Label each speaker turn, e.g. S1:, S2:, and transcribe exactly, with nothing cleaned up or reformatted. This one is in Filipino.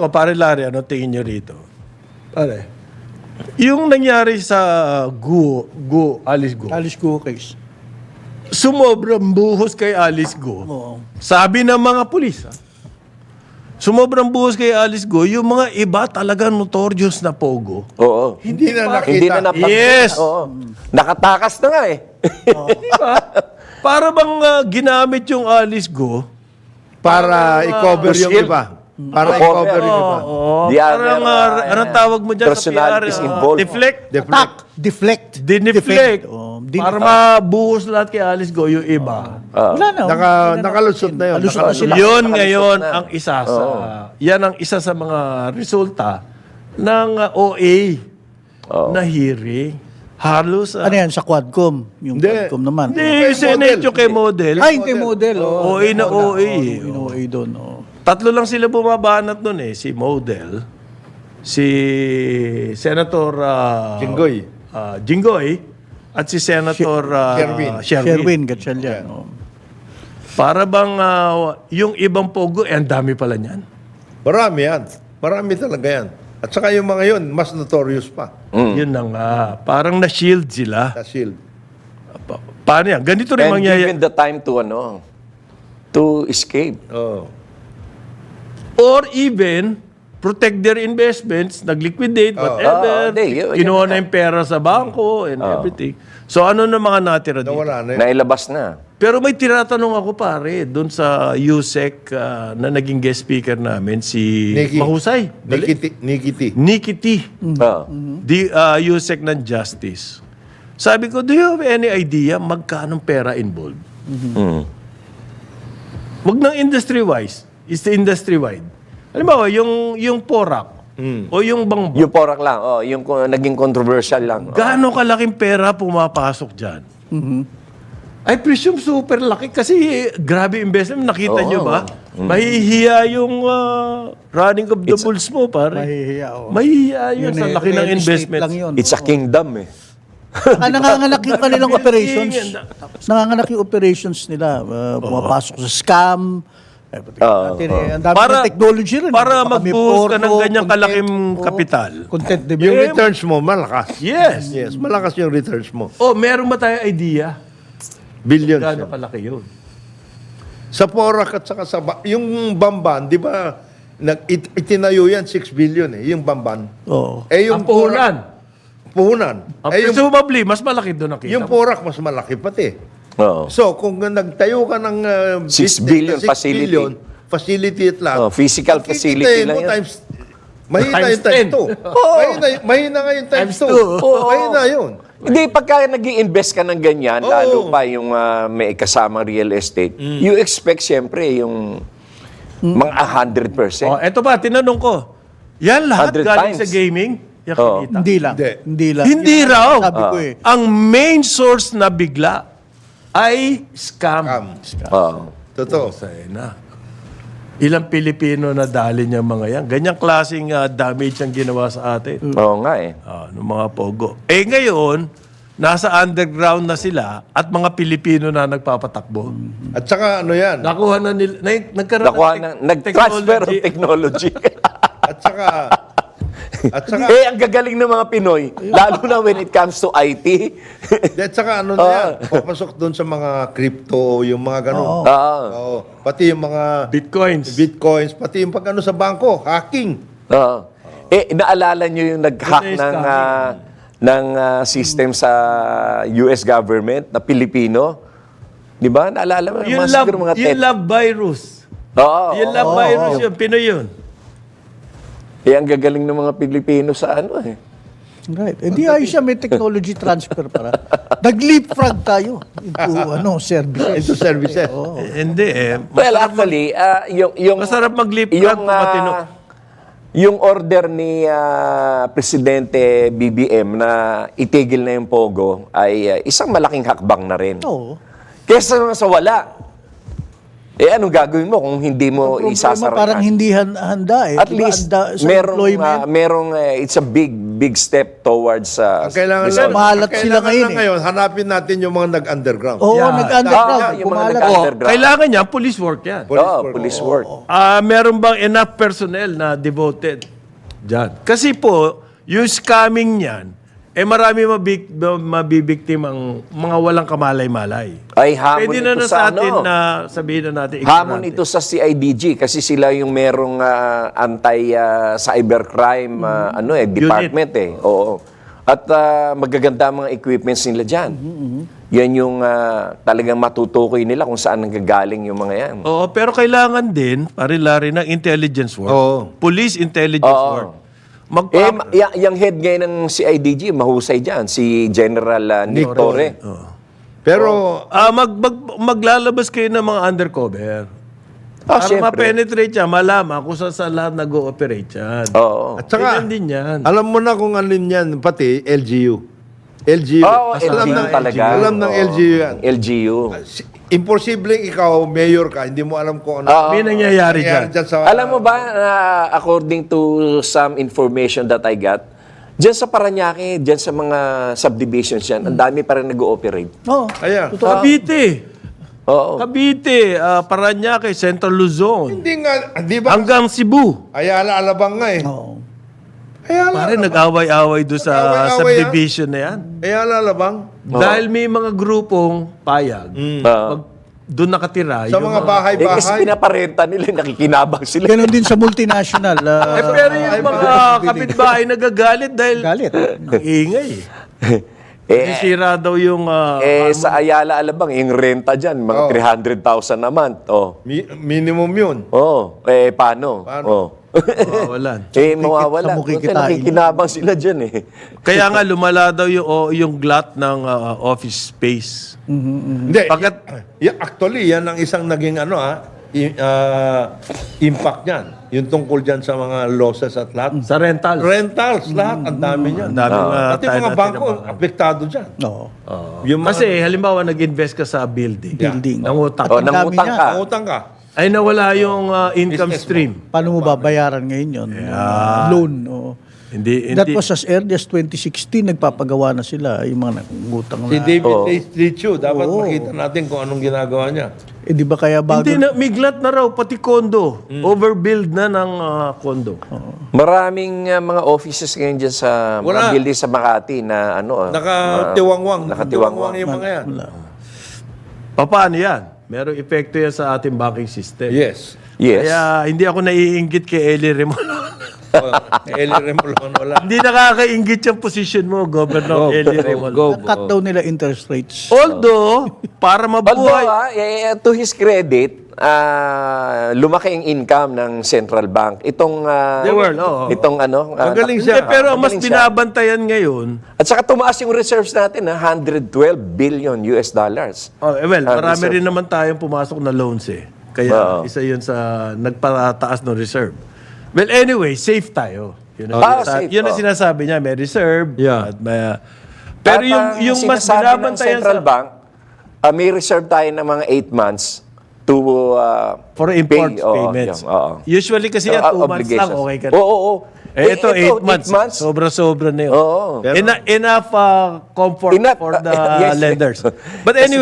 S1: ko, pare Larry, ano tingin nyo rito? Pare, yung nangyari sa Go, Go, Alice Go,
S2: Alice Go case.
S1: sumobrang buhos kay Alice Go.
S2: Oo.
S1: Sabi ng mga pulis, ha? Sumobrang buhos kay Alice Go, yung mga iba talaga notorious na pogo.
S3: Oo.
S4: Hindi na nakita.
S3: Hindi na napag-
S1: Yes!
S3: Oo. Nakatakas na nga eh.
S1: Diba? Para bang ah, ginamit yung Alice Go,
S4: Para i-cover yung
S3: shield.
S4: iba. Para
S3: Oo,
S4: i-cover yung iba.
S1: oh,
S3: The
S1: parang,
S3: other,
S1: ah,
S3: uh,
S1: anong tawag mo dyan sa P R?
S3: personalities
S1: ah,
S3: involved.
S1: Deflect?
S4: Deflect.
S2: Deflect.
S1: Dineflect.
S2: Oh, din-
S1: Para mabuhos lahat kay Alice Go, yung iba.
S2: Wala na.
S4: Naka, nakalusot na yun.
S2: Alusot na
S4: Nakalusot.
S2: sila.
S1: Yun
S3: Nakalusot
S1: ngayon
S3: na.
S1: ang isa sa... Yan ang isa sa mga resulta ng ah, O A na hearing. Halos... ah,
S2: Ano yan, sa Quadcom? Yung
S4: Hindi.
S2: Quadcom naman.
S1: Hindi, yung Senate yung kay Model.
S2: Ay, hindi model. Oh.
S1: O A na O A.
S2: Yung O A doon. Oh.
S1: Tatlo lang sila bumabanat nun eh. Si Model, si Senator ah,
S4: Jinggoy.
S1: ah, Jinggoy, at si Senator ah,
S4: Sherwin.
S1: Sherwin.
S2: Sherwin, gatsan yan. Oh.
S1: Para bang ah, yung ibang pogo, eh, ang dami pala niyan.
S4: Marami yan. Marami talaga yan. At saka yung mga yun, mas notorious pa.
S1: Yun na nga. Parang na-shield sila.
S4: Na shield.
S1: Pa- paano yan? Ganito rin
S3: And
S1: mangyayari.
S3: given the time to ano, to escape.
S4: Oh.
S1: Or even, protect their investments, nag-liquidate, whatever.
S3: Oo, hindi, yun-
S1: kinuha
S3: yun
S1: na yung pera sa bangko and everything. So ano na mga natira dito?
S4: Nawala na yun.
S3: Nailabas na.
S1: Pero may tinatanong ako pare, doon sa U S E C ah, na naging guest speaker namin, si
S4: Nikki.
S1: Mahusay. Dali.
S4: Nikiti. Nikiti.
S1: Nikki T.
S3: Oo.
S1: Di, ah, U S E C ng Justice. Sabi ko, do you have any idea magkano pera involved?
S3: Mm.
S1: Wag ng industry-wise. It's the industry-wide. Halimbawa, yung, yung Porac o yung Bangbo,
S3: Yung porak lang, oh, yung ko- naging controversial lang. Oh.
S1: gaano kalaking pera pumapasok dyan? I presume super laki kasi grabe investment. Nakita
S3: Oo.
S1: nyo ba? Mahihiya yung ah, running of the bulls mo, pare.
S2: Mahihiya, oh.
S1: Mahihiya yun, sa
S2: eh,
S1: laki ng
S2: real estate
S1: investment.
S2: lang yun.
S3: It's a kingdom eh.
S2: Ah, nanganganak yung kanilang operations.
S1: Building,
S2: Nanganganak yung operations nila. Uh, pumapasok sa scam. Eh, pati
S3: Oo,
S2: natin, eh, ang dami
S1: Para-
S2: ng technology rin.
S1: para
S2: Baka may
S1: magbuhos ka ng
S2: porno,
S1: ganyang
S2: content,
S1: kalaking
S2: oo,
S1: kapital.
S2: Content
S4: Yung
S2: development.
S4: returns mo, malakas.
S1: Yes.
S4: Yes, malakas yung returns mo.
S1: Oh, meron ba tayo idea?
S4: Billions.
S1: Gaano
S4: yan.
S1: kalaki yun?
S4: Sa Porac at saka sa... Ba- yung Bamban, di ba, nag, it, itinayo yan, six billion eh, yung Bamban.
S2: Oo.
S4: Eh,
S1: Ang puhunan.
S4: Porac- Puhunan.
S1: Ang
S4: Eh, yung,
S1: presumably, mas malaki doon ang kita.
S4: yung Porac, mas malaki pati.
S3: Oo.
S4: So, kung nagtayo ka ng uh,
S3: Six
S4: business
S3: billion
S4: na six
S3: facility.
S4: billion, facility at lahat.
S3: Oh, physical facility
S4: kikitain
S3: lang
S4: mo
S3: yan.
S4: times, mahina
S1: Times
S4: yung times
S1: ten.
S4: two. Mahina, mahina nga yung times
S1: Times
S4: two.
S1: two.
S3: Oo.
S4: Mahina yun.
S3: Hindi, pagka nag invest ka ng ganyan,
S4: Oo.
S3: lalo pa yung ah, may kasamang real estate, you expect siyempre yung mga one hundred percent.
S1: Oh, eto pa, tinanong ko. Yan lahat
S3: one hundred
S1: galing
S3: times.
S1: sa gaming? Yan
S3: Oo.
S1: kinita.
S2: Hindi lang.
S4: Hindi.
S2: Hindi lang.
S1: Hindi
S2: Yan ang
S1: raw.
S2: Sabi ko eh.
S1: Ang main source na bigla ay scam.
S4: Scam.
S3: Oo.
S4: Totoo.
S1: Say na. Ilang Pilipino na dali niya mga yan. Ganyang klaseng ah, damage ang ginawa sa atin.
S3: Oo nga eh.
S1: Ah, ng mga pogo. Eh ngayon, nasa underground na sila at mga Pilipino na nagpapatakbo.
S4: At saka ano yan,
S1: Nakuha na nila, na, nagkaroon
S3: Nakuha
S1: ng
S3: ng,
S1: tech-
S3: nag-transfer of
S1: technology.
S3: technology.
S4: at saka, at saka,
S3: eh, ang gagaling ng mga Pinoy, lalo na when it comes to I T.
S4: at saka ano na yan, papasok doon sa mga crypto, yung mga ganun.
S3: Oo.
S4: Oo. Pati yung mga
S1: Bitcoins.
S4: bitcoins, pati yung pag ano sa bangko, hacking.
S3: Oo. Eh, naalala nyo yung nag-hack
S1: Yun na yung
S3: ng,
S1: scamming.
S3: ah, ng ah, system sa U S government na Pilipino? Di ba? Naalala mo?
S1: Yung
S3: mga
S1: love,
S3: siguro mga
S1: yung
S3: tet-
S1: love virus.
S3: Oo.
S1: yung love
S3: oo,
S1: virus
S3: oo.
S1: yun. Pinoy yun.
S3: Eh, ang gagaling ng mga Pilipino sa ano eh.
S2: Right. Hindi ayos siya, may technology transfer para. Nag-leapfrog tayo into ano, services.
S4: Into services.
S1: Eh, hindi eh.
S3: Well, actually, ah, yung, yung,
S1: Masarap mag-leapfrog
S3: yung,
S1: kung matino.
S3: ah, yung order ni ah, Presidente B B M na itigil na yung Pogo ay ah, isang malaking hakbang na rin.
S2: Oo.
S3: Kesa naman sa wala. Eh, anong gagawin mo kung hindi mo
S2: Problema,
S3: isasara?
S2: parang hindi han- handa eh.
S3: At
S2: Diba,
S3: least,
S2: handa sa
S3: merong,
S2: employment.
S3: ah, merong, eh, it's a big big step towards uh,
S4: Ang kailangan
S3: resolve.
S4: lang,
S2: Mahalat
S4: ang
S2: sila
S4: kailangan
S2: ngayon
S4: lang
S2: eh.
S4: ngayon, hanapin natin yung mga nag-underground.
S2: Oo,
S1: Yeah.
S2: nag-underground.
S3: Ah, yung mga
S2: Kumalat.
S3: nag-
S1: Oh,
S3: Underground.
S1: kailangan niya, police work yan.
S4: Police
S3: Oo,
S4: work.
S3: police work.
S1: Ah, meron bang enough personnel na devoted dyan? Kasi po, yung scamming niyan, eh marami mabik, mabibiktimang mga walang kamalay-malay.
S3: Ay, hamon
S1: Pwede
S3: ito
S1: na na
S3: sa
S1: sa atin
S3: ano?
S1: na sabihin na natin.
S3: Hamon
S1: ignorante.
S3: ito sa C I D G kasi sila yung merong ah, anti ah, cybercrime ah, ano eh department eh. Oo. At ah, magaganda ang mga equipments nila diyan. Yan yung ah, talagang matutukoy nila kung saan nanggagaling yung mga yan.
S1: Oo, pero kailangan din, pare-lari ng intelligence work.
S4: Oo.
S1: Police intelligence
S3: Oo.
S1: work. Magpa-
S3: Eh, ma- y- yung head ngayon ng C I D G, mahusay dyan, si General ah, Nick Torre.
S4: Pero,
S1: Ah, mag, mag, maglalabas kayo ng mga undercover.
S3: Ah,
S1: Para
S3: syempre.
S1: ma-penetrate yan, malaman kung saan saan lahat nag-ooperate yan.
S3: Oo.
S4: at saka,
S1: Ganyan din yan.
S4: alam mo na kung ano yan, pati L G U. L G U.
S3: Oo,
S4: alam
S3: L G U
S4: ng,
S3: talaga.
S4: Alam ng
S3: Oo.
S4: L G U yan.
S3: L G U.
S4: Si- Imposibleng ikaw, mayor ka, hindi mo alam kung ano.
S3: Oo.
S1: May nangyayari dyan.
S4: nangyayari dyan sa...
S3: Alam mo ba, na according to some information that I got, dyan sa Paranaque, dyan sa mga subdivisions yan, ang dami pa rin nag-ooperate.
S2: Oo.
S4: Kaya,
S1: Cavite.
S3: Oo.
S1: Cavite, ah, Parañaque, Central Luzon.
S4: hindi nga, di ba?
S1: Hanggang Cebu.
S4: Ayala, alabang nga eh.
S2: Oo.
S4: Ayala,
S1: Pare, nag-away-away doon sa
S4: Nag-away-away
S1: subdivision na yan.
S4: Ayala, alabang.
S1: Dahil may mga grupong payag.
S3: Oo.
S1: Pag doon nakatira.
S4: Sa
S1: yung
S4: mga
S3: Eh, kasi
S4: bahay-bahay.
S3: pinaparenta nila, nakikinabang sila.
S2: Ganon din sa multinational. ah,
S1: Eh, pero yung mga kapitbahay nagagalit dahil
S2: galit.
S1: ang ingay.
S3: Eh,
S1: Sisira daw yung... ah,
S3: eh, sa Ayala, Alabang, yung renta dyan, mga
S4: Oo.
S3: three hundred thousand a month. Oh.
S4: Mi- minimum yun.
S3: Oh, eh, paano?
S4: Paano?
S3: Oh.
S1: mawawalan.
S3: eh, mawawala.
S2: sa
S3: Kasi
S2: mukikitain.
S3: nakikinabang sila dyan eh.
S1: Kaya nga lumala daw yung, o, yung glut ng ah, office space.
S4: Hindi.
S1: Pagkat-
S4: y- y- actually, yan ang isang naging ano ah, i- ah, impact niyan. Yung tungkol dyan sa mga losses at lahat.
S1: Sa rental.
S4: Rentals, lahat. Ang dami niyan.
S1: Ang dami nga
S4: Pati
S1: tayo
S4: mga
S1: natin
S4: bangko,
S1: nabangan.
S4: apektado dyan.
S2: Oo.
S4: Yung mga,
S1: Kasi halimbawa nag-invest ka sa building.
S2: Building.
S1: Nangutak.
S3: Oh,
S2: Ang dami
S3: nangutang
S2: niya.
S3: ka.
S4: utang ka.
S1: Ay nawala yung ah, income
S4: Business mo.
S1: stream.
S2: Paano mo babayaran ngayon yun? Ah, loan. Oo.
S1: Hindi,
S2: That
S1: hindi.
S2: was as early as twenty sixteen, nagpapagawa na sila. Yung mga nangutang
S4: Si
S2: na.
S4: David
S3: Oo.
S4: Leitchu, dapat
S2: Oo.
S4: makita natin kung anong ginagawa niya.
S2: Eh, di ba kaya bago?
S1: Hindi na, may glut na raw, pati condo. Overbuild na ng ah, condo.
S3: Maraming uh, mga offices ngayon dyan sa
S4: Wala.
S3: mga building sa Makati na ano. ah,
S4: Nakatiwangwang.
S3: Nakatiwangwang.
S4: yung mga yan.
S1: Paano yan? Merong epekto yan sa ating banking system.
S4: Yes.
S3: Yes.
S1: Kaya hindi ako naiinggit kay Eli Remolon.
S4: Oh, Eli Remolon, wala.
S1: Hindi nakakainggit yung position mo, Governor Eli Remolon.
S4: Go.
S2: Cut daw nila interest rates.
S1: Although, para
S3: Although,
S1: mabuhay,
S3: ah, eh, to his credit, ah, lumaki ang income ng central bank. Itong, ah,
S1: The world, oo.
S3: itong ano. ah,
S4: Magaling
S1: hindi,
S4: siya.
S1: pero ang mas
S3: Magaling siya.
S1: binabantayan ngayon,
S3: At saka tumaas yung reserves natin, na one hundred twelve billion U S dollars.
S1: oh, eh, well,
S3: Ah,
S1: marami
S3: reserve.
S1: rin naman tayong pumasok na loans eh. Kaya
S3: Oo.
S1: isa yun sa nagpataas ng reserve. Well, anyway, safe tayo. Yun ang,
S3: Ah,
S1: sinasa-
S3: safe,
S1: yun ang
S3: oh.
S1: sinasabi niya, may reserve.
S4: Yeah.
S1: At may, pero
S3: At
S1: yung,
S3: ang
S1: yung mas
S3: sinasabi ng
S1: binabantayan
S3: central
S1: sa...
S3: bank, ah, may reserve tayo ng mga eight months to ah,
S1: For import
S3: pay. Oo,
S1: payments.
S3: yung, oo.
S1: Usually kasi yan,
S3: Ah,
S1: two months lang,
S3: obligations.
S1: okay ka
S3: Oo,
S1: na.
S3: oo, oo.
S1: Eh, ito, eight months. Sobra-sobra na yun.
S3: Oo.
S1: Ena- enough uh, comfort
S3: Enough,
S1: for the
S3: uh, yes.
S1: lenders. But anyway,